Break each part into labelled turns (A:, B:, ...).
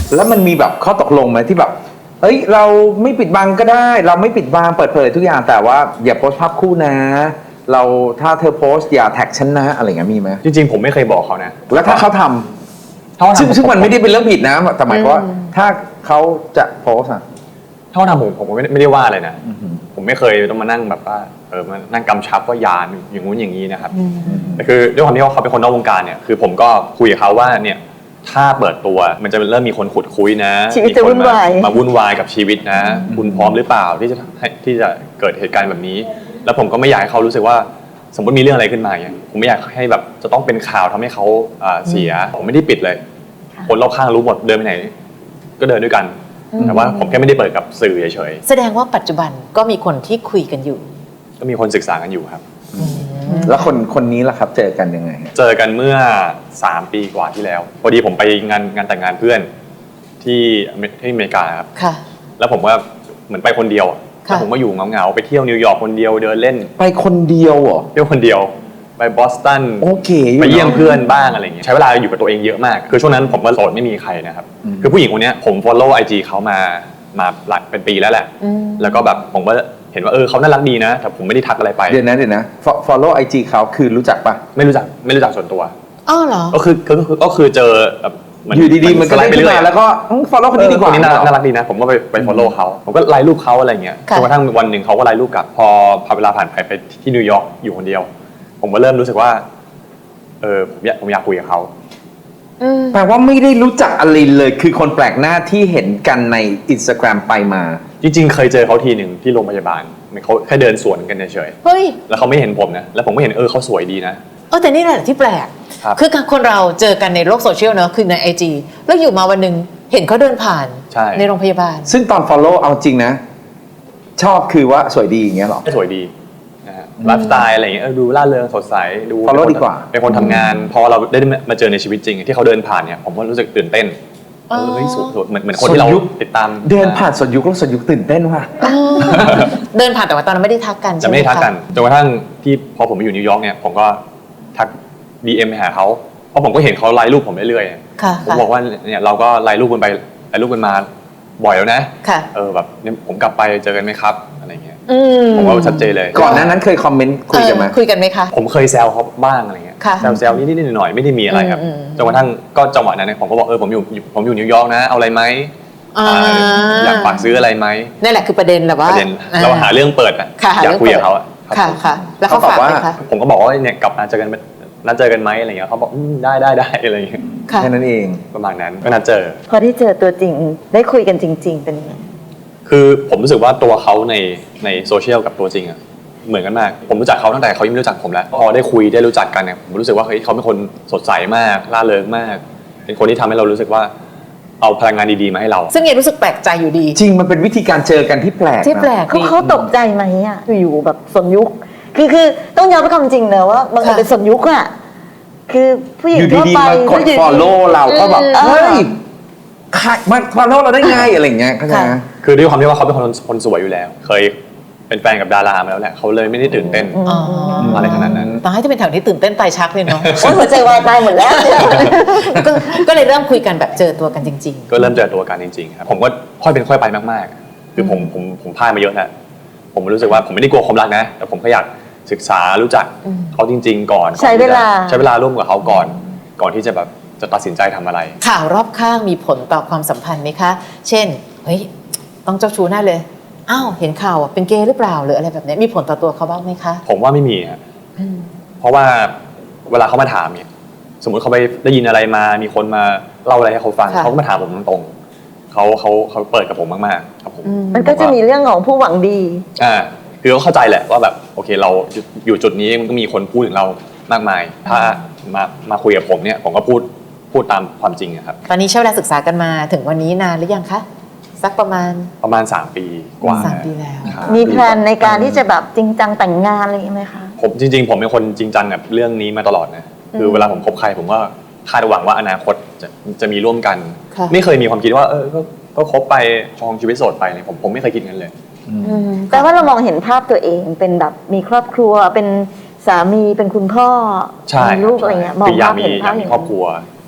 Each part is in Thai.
A: แล้วมันมีแบบข้อตกลงไหมที่แบบเอ้ยเราไม่ปิดบังก็ได้เราไม่ปิดบังเปิดเผยทุกอย่างแต่ว่าอย่าโพสต์ภาพคู่นะเราถ้าเธอโพสต์อย่าแท็กฉันนะอะไรเงี้ยมีไหม
B: จริงๆผมไม่เคยบอกเขานะ
A: แล้วถ้าเขาทำซึ่งมันไม่ได้เป็นเรื่องผิดนะแต่หมายความว่าถ้าเขาจะโพสต์
B: ถ้าเขาทำผมไม่ได้ว่าอะไรนะผมไม่เคยต้องมานั่งแบบว่ามานั่งกำชับว่าอย่าอย่างงู้นอย่างนี้นะครับแต่คือด้วยความที่เขาเป็นคนนอกวงการเนี่ยคือผมก็คุยกับเขาว่าเนี่ยถ้าเปิดตัวมันจะเริ่มมีคนขุดคุยนะ
C: มีคน
B: มาวุ่นวายกับชีวิตนะคุณพร้อมหรือเปล่าที่จะเกิดเหตุการณ์แบบนี้แล้วผมก็ไม่อยากให้เขารู้สึกว่าสมมติมีเรื่องอะไรขึ้นมาเนี่ยผมไม่อยากให้แบบจะต้องเป็นข่าวทำให้เขาเสียผมไม่ได้ปิดเลยคนรอบข้างรู้หมดเดินไปไหนก็เดินด้วยกันแต่ว่าผมแค่ไม่ได้เปิดกับสื่อเฉย
D: ๆแสดงว่าปัจจุบันก็มีคนที่คุยกันอยู่
B: ก็มีคนศึกษากันอยู่ครับ
A: แล้วคนนี้ล่ะครับเจอกันยังไง
B: เจอกันเมื่อ3 ปีกว่าที่แล้วพอดีผมไปงานแต่งงานเพื่อนที่อเมริกาครับแล้วผมว่าเหมือนไปคนเดียวแล้วผมก็อยู่เงาๆไปเที่ยวนิวยอร์กคนเดียวเดินเล่น
A: ไปคนเดียวเหรอ
B: เที่ยวคนเดียวไปบอสตัน
A: โอเค
B: ไปเยี่ยมเพื่อนบ้างอะไรเงี้ยใช้เวลาอยู่กับตัวเองเยอะมากคือช่วงนั้นผมก็โสดไม่มีใครนะครับคือผู้หญิงคนนี้ผม follow IG เขามาหลักเป็นปีแล้วแหละแล้วก็แบบผมก็เห็นว่าเขาน่ารักดีนะแต่ผมไม่ได้ทักอะไรไป
A: เดี๋ยวนะ follow IG เขาคือรู้จักปะ
B: ไม่รู้จักส่วนตัว
D: อ๋อเหรอ
B: ก็คือเจอแบบ
A: อยู่ดีๆมันก็ไล่ไปเรื่อยแล้วก็ follow คนนี้ดีกว่า
B: นี่น่ารักดีนะผมก็ไป follow เขาผมก็ไลค์รูปเขาอะไรเงี้ยจนกระทั่งวันหนึ่งเขาก็ไลค์รูปกลับพอเวลาผ่านไปที่นิวยอร์กอยู่คนเดียวผมก็เริ่มรู้สึกว่าผมอยากคุยกับเขา
A: แปลว่าไม่ได้รู้จักอลินเลยคือคนแปลกหน้าที่เห็นกันใน Instagram ไปมา
B: จริงๆเคยเจอเขาทีหนึ่งที่โรงพยาบาลเขาแค่เดินสวนกันเฉย
D: เฮ้ย
B: แล้วเขาไม่เห็นผมนะแล้วผมก็เห็นเขาสวยดีนะ
D: แต่นี่แหละที่แปลกคือคนเราเจอกันในโลกโซเชียลเนอะคือใน IG แล้วอยู่มาวันหนึ่งเห็นเขาเดินผ่านในโรงพยาบาล
A: ซึ่งตอน follow เอาจริงนะชอบคือว่าสวยดีอย่างเงี้ยหรอ
B: สวยดีไลฟ์สไตล์อะไรอย่างเงี้ยดูร่าเริงสดใสดู
A: follow ดีกว่า
B: เป็นคนทำงานพอเราได้มาเจอในชีวิตจริงที่เขาเดินผ่านเนี่ยผมก็รู้สึกตื่นเต้นสวยเหมือนคนที่เราติดตาม
A: เดินผ่านสดยุคแล้วสดยุคตื่นเต้นว่ะ
D: เดินผ่านแต่ว่าตอนนั้นไม่ได้ทักกัน
B: จะไม่ได้ทักกันจนกระทั่งที่พอผมไปอยู่นิวยอร์กเนี่ยผมก็ทัก DM ไปหาเขาเพราะผมก็เห็นเขาไลน์รูปผมเรื่อยๆผมบอกว่าเนี่ยเราก็ไลน์รูปกันไปไลน์รูปกันมาบ่อยแล้วนะแบบผมกลับไปเจอกันไหมครับอะไรเงี้ยผมว่าชัดเจนเลย
A: ก่อนนั้นเคยคอมเมนต์คุยกัน
D: ไหมคะ
B: ผมเคยแซวเขาบ้างอะไรเงี้ยแซวนิดๆหน่อยๆไม่ได้มีอะไรครับจนกระทั่งก็จังหวะนั้นผมก็บอกผมอยู่นิวยอร์กนะเอาอะไรไหมอยากฝากซื้ออะไรไหม
D: นั่นแหละคือประเด็นแหละว่า
B: เราหาเรื่องเปิดอยากคุยกับเขา
D: ค่ะแล้วเขาฝากไหมคะ
B: ผมก็บอกว่าเนี่ยกลับมาเจอกันนัดเจอกันไหมอะไรเงี้ยเขาบอกได้อะไรเงี้ย
A: แค่นั้นเอง
B: ประมาณนั้นก็นัดเจอ
C: พอที่เจอตัวจริงได้คุยกันจริงๆเป็นยังไง
B: คือผมรู้สึกว่าตัวเขาในโซเชียลกับตัวจริงอะเหมือนกันมากผมรู้จักเขาตั้งแต่เขายังไม่รู้จักผมแล้วพอได้คุยได้รู้จักกันเนี่ยผมรู้สึกว่าเฮ้ยเขาเป็นคนสดใสมากร่าเริงมากเป็นคนที่ทำให้เรารู้สึกว่าเอาพลังงานดีๆมาให้เรา
D: ซึ่งยังรู้สึกแปลกใจอยู่ดี
A: จริงมันเป็นวิธีการเจอกันที่แปลก
C: เขาตกใจไหมอะอยู่แบบสนยุคคือต้องยอมรับความจริงนะว่ามันเป็นสนยุคอะคือผู้หญิงทั่วไป
A: กด follow เราก็แบบเฮ้ยมา follow เราได้ไงอะไรเงี้ยเข้าใจไหม
B: คือด้วยความที่ว่าเขาเป็นคนสวยอยู่แล้วเคยเป็นแฟนกับดารามาแล้วแหละเขาเลยไม่ได้ตื่นเต้นอะไรขนาดนั้น
D: ตอนให้จะเป็นแถวนี้ตื่นเต้นตายชักเลยเนาะ
C: หัวใจวายตายหมดแล้ว
D: ก็เลยเริ่มคุยกันแบบเจอตัวกันจริง
B: ๆก็เริ่มเจอตัวกันจริงๆครับผมก็ค่อยเป็นค่อยไปมากๆคือผมพลาดมาเยอะแล้วผมรู้สึกว่าผมไม่ได้กลัวความรักนะแต่ผมก็อยากศึกษารู้จักเขาจริงๆก่อน
C: ใช้เว
B: ลาร่วมกับเขาก่อนที่จะแบบจะตัดสินใจทำอะไร
D: ข่าวรอบข้างมีผลต่อความสัมพันธ์ไหมคะเช่นเฮ้ยต้องเจ้าชู้แน่เลยอ้าวเห็นข่าวเป็นเกย์หรือเปล่าหรืออะไรแบบนี้มีผลต่อตัวเขาบ้างไหมคะ
B: ผมว่าไม่มีครับเพราะว่าเวลาเขามาถามเนี่ยสมมติเขาไปได้ยินอะไรมามีคนมาเล่าอะไรให้เขาฟังเขาก็มาถามผมตรงๆเขาเปิดกับผมมากๆครับผม
C: มันก็จะมีเรื่องของผู้หวังดี
B: คือเขาเข้าใจแหละว่าแบบโอเคเราอยู่จุดนี้มันก็มีคนพูดถึงเรามากมายถ้ามาคุยกับผมเนี่ยผมก็พูดตามความจริงครับ
D: ตอนนี้ใช้เวลาศึกษากันมาถึงวันนี้นานหรือยังคะสักประมาณ
B: 3 ปีกว่า
D: 3 ปีแล้ว
C: มีแพลนในการที่จะแบบจริงจังแต่งงานอะไรไหมคะ
B: ผมจริงๆผมเป็นคนจริงจังกับเรื่องนี้มาตลอดนะคือเวลาผมคบใครผมก็คาดหวังว่าอนาคตจะมีร่วมกันไม่เคยมีความคิดว่าก็คบไปครองชีวิตโสดไปเลยผมไม่เคยคิดงั้นเลย
C: แต่ว่าเรามองเห็นภาพตัวเองเป็นแบบมีครอบครัวเป็นสามีเป็นคุณพ่อมีลูกอะไรเงี้ยมองภาพเห็นภาพ
B: มีครอบครัว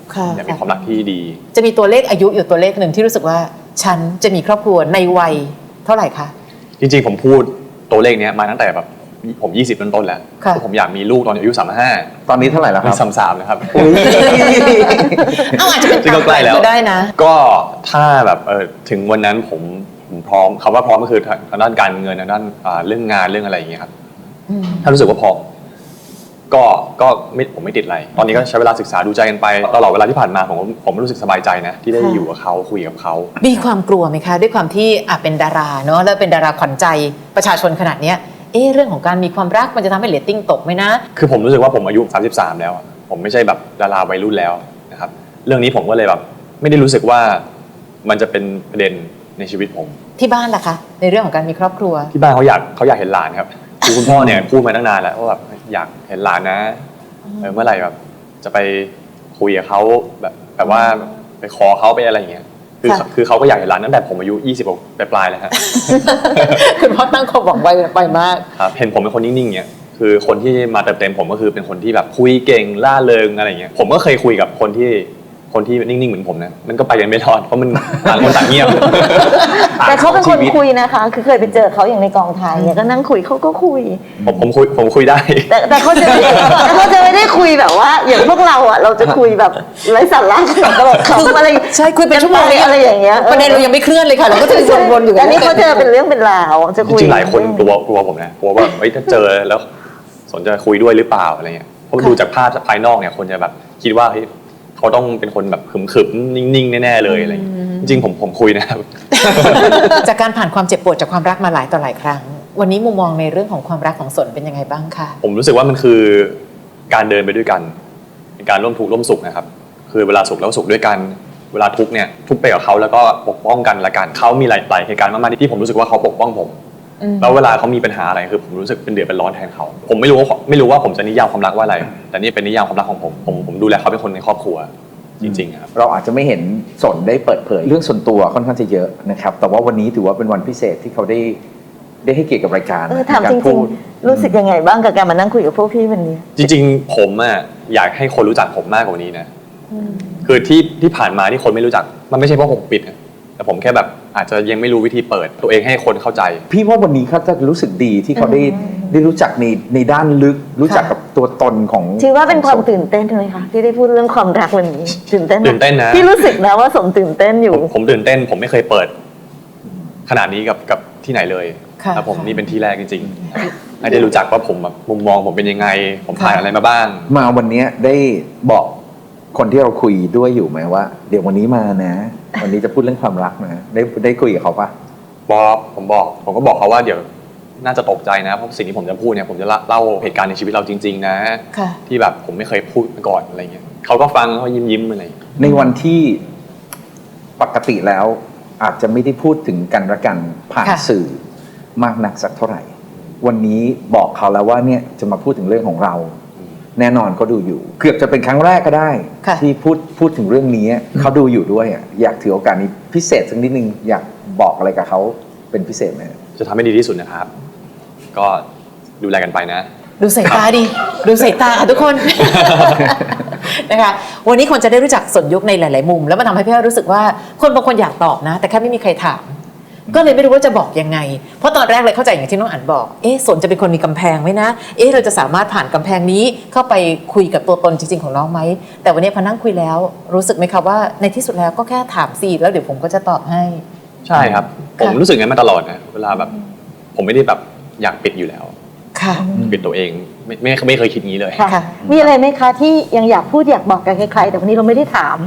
D: ค่ะ
B: อยากมีความรักที่ดี
D: จะมีตัวเลขอายุอยู่ตัวเลขหนึ่งที่รู้สึกว่าฉันจะมีครอบครัวในวัยเท่าไหร่คะ
B: จริงๆผมพูดตัวเลขเนี้ยมาตั้งแต่แบบผม20ต้นๆแล้ว
D: ค่ะ
B: ผมอยากมีลูกตอนอายุ35
A: ตอนนี้เท่าไหร่แล้วค
B: มี
A: รับ
B: 33นะครับ
A: อุ๊ย
D: เอาอาจจะเป็น
B: ซึ่งก็ใกล้แล้ว
D: ก็ได้นะ
B: ก็ถ้าแบบถึงวันนั้นผมพร้อมคำว่าพร้อมก็คือทางด้านการเงินทางด้านเรื่องงานเรื่องอะไรอย่างเงี้ยครับ
D: อืม
B: ถ้ารู้สึกว่าพร้อมก็ไม่ผมไม่ติดอะไร ตอนนี้ก็ใช้เวลาศึกษาดูใจกันไปตลอดเวลาที่ผ่านมาผมรู้สึกสบายใจนะที่ได้
D: ค่ะ
B: อยู่กับเขาคุยกับเขา
D: มีความกลัวไหมคะ ด้วยความที่เป็นดาราเนาะแล้วเป็นดาราขวัญใจประชาชนขนาดเนี้ยเรื่องของการมีความรักมันจะทำให้เรตติ้งตกไหมนะ
B: คือผมรู้สึกว่าผมอายุ33แล้วอะผมไม่ใช่แบบดาราวัยรุ่นแล้วนะครับเรื่องนี้ผมก็เลยแบบไม่ได้รู้สึกว่ามันจะเป็นประเด็นในชีวิตผม
D: ที่บ้านล่ะคะในเรื่องของการมีครอบครัว
B: ที่บ้านเขาอยากเห็นหลานครับคือคุณพ่อเนี่ยพูดมาตั้งนานแล้วว่าแบบอยากเห็นหลานนะเมื่อไหร่แบบจะไปคุยกับเขาแบบว่าไปขอเขาไปอะไรอย่างเงี้ยคือเขาก็อยากเห็นหลานตั้งแต่ผมอายุ20ปลายๆแล้วฮะ
D: คุณพ่อตั้งความหวังไว้ไปมาก
B: ครับเห็นผมเป็นคนนิ่งๆเนี่ยคือคนที่มาเติมเต็มผมก็คือเป็นคนที่แบบคุยเก่งล่าเริงอะไรอย่างเงี้ยผมก็เคยคุยกับคนที่นิ่งๆเหมือนผมนะมันก็ไปกันไม่รอดเพราะมันต่างคนต่างเงียบ
C: แต่เขาเป็นคน
B: ชีวิต
C: คุยนะคะ คือเคยไปเจอเขาอย่างในกองถ่ายเนี่ยก็นั่งคุยเขาก็คุย
B: ผมคุยได้
C: แต่เขาจะไม่ได้คุยแบบว่า อย่างพวกเราอ่ะเราจะคุยแบบไร้สาระตลกขำอะไร
D: ใช่คุยเป็นชั่วโมง
C: อะไรอย่างเงี้ย
D: ประเด็นเรายังไม่เคลื่อนเลยค่ะเราก็จะวนๆอยู่
C: แต่นี่เขาเจอเป็นเรื่องเป็นราวจะ
B: จ
C: คุย
B: ริงๆหลายคนกลัวผมนะกลัวว่าเฮ้ยถ้าเจอแล้วสนจะคุยด้วยหรือเปล่าอะไรเงี้ยเพราะดูจากภาพจากภายนอกเนี่ยคนจะแบบคิดว่าเฮ้ยเขาต้องเป็นคนแบบขึมๆนิ่งๆแน่ๆเลยอะไรเงี้ยจริงๆผมคุยนะครับ
D: จากการผ่านความเจ็บปวดจากความรักมาหลายต่อหลายครั้ง วันนี้มุมมองในเรื่องของความรักของสนเป็นยังไงบ้างคะ
B: ผมรู้สึกว่ามันคือการเดินไปด้วยกันเป็นการร่วมทุกข์ร่วมสุขนะครับคือเวลาสุขแล้วสุขด้วยกันเวลาทุกข์เนี่ยทุกข์ไปกับเขาแล้วก็ปกป้องกันละกันเขามีหลายเหตุการณ์มากๆที่ผมรู้สึกว่าเขาปกป้องผมแล้วเวลาเขามีปัญหาอะไรคือผมรู้สึกเป็นเดือดเป็นร้อนแทนเขาผมไม่รู้ว่าผมจะนิยามความรักว่าอะไร แต่นี่เป็นนิยามความรักของผมดูแลเขาเป็นคนในครอบครัวจริงๆครับ
A: เราอาจจะไม่เห็นสนได้เปิดเผยเรื่องส่วนตัวค่อนข้างจะเยอะนะครับ แต่ว่าวันนี้ถือว่าเป็นวันพิเศษที่เขาได้ให้เกียรติกับรายการ
C: ถามจ
A: ในก
C: ริง
A: พูด
C: ๆ รู้สึกยังไงบ้างกับการมานั่งคุยกับพวกพี่วันนี้
B: จริงๆผมอะอยากให้คนรู้จักผมมากกว่านี้นะคือที่ผ่านมาที่คนไม่รู้จักมันไม่ใช่เพราะผมปิดนะแต่ผมแค่แบบอาจจะยังไม่รู้วิธีเปิดตัวเองให้คนเข้าใจ
A: พี่ว่าวันนี้เขาจะรู้สึกดีที่เขาได้รู้จักในด้านลึก รู้จักกับตัวตนของ
C: ถือว่าเป็นความตื่นเต้นไหมคะที่ได้พูดเรื่องความรักวันนี้ตื่นเต้นไหม
B: ตื่นเต้นนะ
C: พี่รู้สึกนะว่าสมตื่นเต้นอยู่
B: ผมตื่นเต้นผมไม่เคยเปิดขนาดนี้กับที่ไหนเลย
D: ค่ะ
B: ครับผมนี่เป็นที่แรกจริงๆให้ได้รู้จักว่าผมแบบมุมมองผมเป็นยังไง ผมผ่านอะไรมาบ้าง
A: มาวันนี้ได้บอกคนที่เราคุยด้วยอยู่ไหมว่า เดี๋ยววันนี้มานะ วันนี้จะพูดเรื่องความรักนะได้คุยกับเขาปะ
B: ผมก็บอกเขาว่าเดี๋ยวน่าจะตกใจนะเพราะสิ่งที่ผมจะพูดเนี่ยผมจะเล่าเหตุการณ์ในชีวิตเราจริงๆนะ
D: ค่ะ
B: ที่แบบผมไม่เคยพูดมาก่อนอะไรเงี้ยเขาก็ฟังเขายิ้มอะไรอย่างเงี้ย
A: ในวันที่ปกติแล้วอาจจะไม่ได้พูดถึงกันและกันผ่าน
D: ค่ะ
A: สื่อมากนักสักเท่าไหร่ วันนี้บอกเขาแล้วว่าเนี่ยจะมาพูดถึงเรื่องของเรา แน่นอนเขาดูอยู่ เกือบจะเป็นครั้งแรกก็ได้
D: ค่ะ
A: ที่พูดถึงเรื่องนี้เขาดูอยู่ด้วยอะอยากถือโอกาสนี้พิเศษสักนิดนึงอยากบอกอะไรกับเขาเป็นพิเศษไหม
B: จะทำให้ดีที่สุดนะครับ ก็ดูแลกันไปนะ
D: ดูสายตาดิดูสายตาค่ะทุกคน นะคะวันนี้คนจะได้รู้จักสนยุคในหลาย ๆ มุม แล้วมันทำให้พี่อ้อยรู้สึกว่าคนบางคนอยากตอบนะ แต่แค่ไม่มีใครถาม ก็เลยไม่รู้ว่าจะบอกยังไง เพราะตอนแรกเลยเข้าใจอย่างที่น้องอั๋นบอกสนจะเป็นคนมีกำแพงไหมนะเราจะสามารถผ่านกำแพงนี้เข้าไปคุยกับตัวตนจริง ๆ ของน้องไหมแต่วันนี้พอนั่งคุยแล้วรู้สึกไหมคะว่าในที่สุดแล้วก็แค่ถามสิแล้วเดี๋ยวผมก็จะตอบให้
B: ใช่ครับ ผมรู้สึกงั้นมาตลอดนะเวลาแบบผมไม่ได้แบบอยากปิดอยู่แล้ว
D: ค่ะ
B: ปิดตัวเองไม่เคยคิดงี้เลย
C: ค่ะ มีอะไรไหมคะที่ยังอยากพูดอยากบอกกับใครๆแต่วันนี้เราไม่ได้ถาม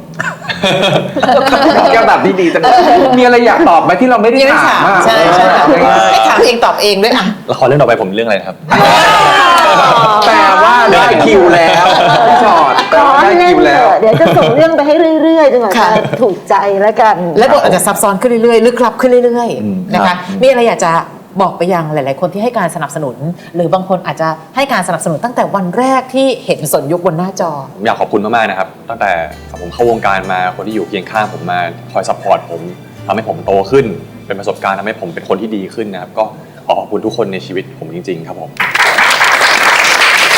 A: ก็แบบที่ดีจังเลยมีอะไรอยากตอบไหมที่เราไม่ได้
D: ยังไม่
A: ถาม
D: ถาม
A: อะ
D: ใช่ให้ถามเองตอบเองด้วยอ่ะ
B: ละครเรื่องต่อไปผมเรื่องอะไรนะครับ
A: แปลว่าได้คิวแล้วพี่ชอดแปล
C: ขอ
A: ว่า
C: ให้
A: ได้
C: เล่
A: คิ
C: น
A: ว
C: เถ
A: แล้ว
C: อะเดี๋ยวจะส่งเรื่องไปให้เรื่อยๆจนกว่า
D: ค่ะ
C: จะถูกใจแล้วกัน
D: และบทอาจจะซับซ้อนขึ้นเรื่อยๆลึกลับขึ้นเรื่อยๆนะ
A: ครั
D: คะ
A: บ
D: มีอะไรอยากจะบอกไปยังหลายๆคนที่ให้การสนับสนุน หรือบางคนอาจจะให้การสนับสนุนตั้งแต่วันแรกที่เห็นสนยุคบนหน้าจอ
B: ผมอยากขอบคุณมากๆนะครับตั้งแต่ผมเข้าวงการมาคนที่อยู่เคียงข้างผมมาคอยซัพพอร์ตผมทำให้ผมโตขึ้น เป็นประสบการณ์ทำให้ผมเป็นคนที่ดีขึ้นนะครับก็ขอขอบคุณทุกคนในชีวิตผมจริงๆครับผม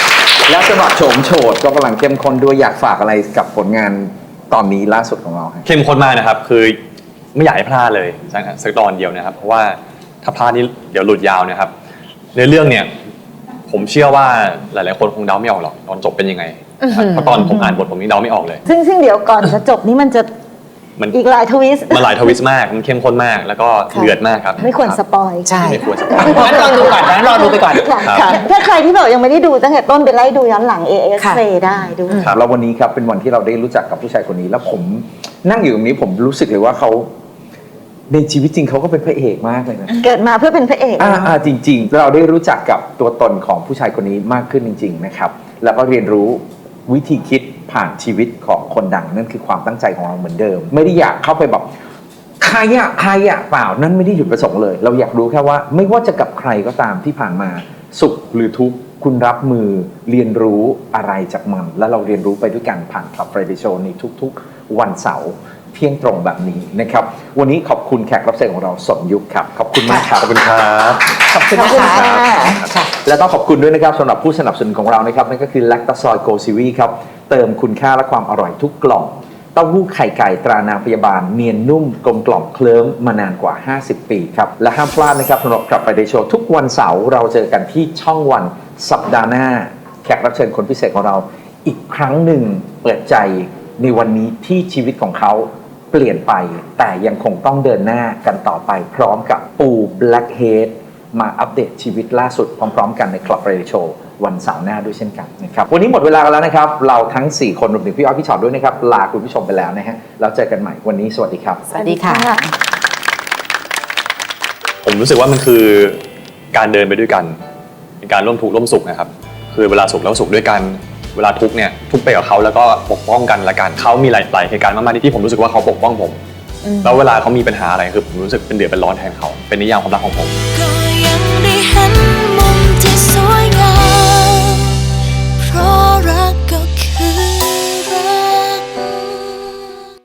A: แล้วสำหรับโฉมโฉดก็กำลังเข้มข้นด้วยอยากฝากอะไรกับผลงานตอนนี้ล่าสุดของเราครับ
B: เข้มข้นมากนะครับ คือไม่อยากให้พลาดเลยสักตอนเดียวนะครับ เพราะว่าถ้าพลาดนี่เดี๋ยวหลุดยาวนะครับในเรื่องเนี่ยผมเชื่อว่าหลายๆคนคงเดาไม่ออกหรอกตอนจบเป็นยังไงนะครับเพราะตอนผมอ่านบทผมยังเดาไม่ออกเลย
C: ซึ่งเดี๋ยวก่อนจะจบนี่มันจะ
B: มัน
C: อีกหลายทวิสต์
B: มันหลายทวิสต์มากมันเข้มข้นมากแล้วก็เดือดมากครับ
C: ไม่ควรสปอย
D: ใช่
B: ไม่ควรสปอย
D: งั้นรอดูก่อนนะรอดูไปก่อน
C: ค่ะถ้าใครที่แบบยังไม่ได้ดูตั้งแต่ต้นไปไล่ดูย้อนหลัง AS
D: ค่ะ
C: Play ได้ดู
A: ครับแล้ววันนี้ครับเป็นวันที่เราได้รู้จักกับผู้ชายคนนี้ แล้วผมนั่งอยู่ตรงนี้ผมรู้สึกเลยว่าเขาในชีวิตจริงเขาก็เป็นพระเอกมากเลยนะ
C: เกิดมาเพื่อเป็นพระเอก
A: จริงๆ เราได้รู้จักกับตัวตนของผู้ชายคนนี้มากขึ้นจริง ๆ นะครับ แล้วก็เรียนรู้วิธีคิดผ่านชีวิตของคนดังนั่นคือความตั้งใจของเราเหมือนเดิม ไม่ได้อยากเข้าไปแบบใครอะเปล่านั่นไม่ได้หยุดประสงค์เลย เราอยากรู้แค่ว่าไม่ว่าจะกับใครก็ตามที่ผ่านมาสุขหรือทุกข์คุณรับมือเรียนรู้อะไรจากมัน และเราเรียนรู้ไปด้วยกันผ่าน Club Friday Show ในทุกๆวันเสาร์เที่ยงตรงแบบนี้นะครับวันนี้ขอบคุณแขกรับเชิญของเราสมยุคครับขอบคุณมากครับ
B: ขอบคุณครับ
D: ขอบคุณ
C: ขอบ
D: นะ
C: คุณ
D: คะ
C: ค่ะ
A: และต้องขอบคุณด้วยนะครับสำหรับผู้สนับสนุนของเรานะครับนั่นก็คือ Lactazol Go Series ครับเติมคุณค่าและความอร่อยทุกกล่องเต้าหู้ไข่ไก่ตรานางพยาบาลเนียนนุ่มกลมกล่อมเคลิ้มมานานกว่า 50 ปีครับและห้ามพลาดนะครับสำหรับกลับไปในโชว์ทุกวันเสาร์เราเจอกันที่ช่องวันสัปดาห์หน้าแขกรับเชิญคนพิเศษของเราอีกครั้งหนึ่งเปิดใจในวันนี้ที่ชีวิตของเขาเปลี่ยนไปแต่ยังคงต้องเดินหน้ากันต่อไปพร้อมกับปู Blackhead มาอัปเดตชีวิตล่าสุดพร้อมๆกันใน Club Radio Show วันเสาร์หน้าด้วยเช่นกันนะครับวันนี้หมดเวลากันแล้วนะครับเราทั้ง 4 คนรวมถึงพี่อ้อยพี่ชอตด้วยนะครับลาคุณผู้ชมไปแล้วนะฮะแล้วเจอกันใหม่วันนี้สวัสดีครับ
D: สวัสดีค่ะ
B: ผมรู้สึกว่ามันคือการเดินไปด้วยกันเป็นการร่วมทุกข์ร่วมสุขนะครับคือเวลาสุขแล้วสุขด้วยกันเวลาทุกข์เนี่ยทุกข์ไปกับเขาแล้วก็ปกป้องกันละกันเขามีหลายเหตุการณ์มากๆที่ผมรู้สึกว่าเขาปกป้องผมแล้วเวลาเขามีปัญหาอะไรคือผมรู้สึกเป็นเดือดเป็นร้อนแทนเขาเป็นนิยามความรักของผม
E: ก็ยังได้เห็น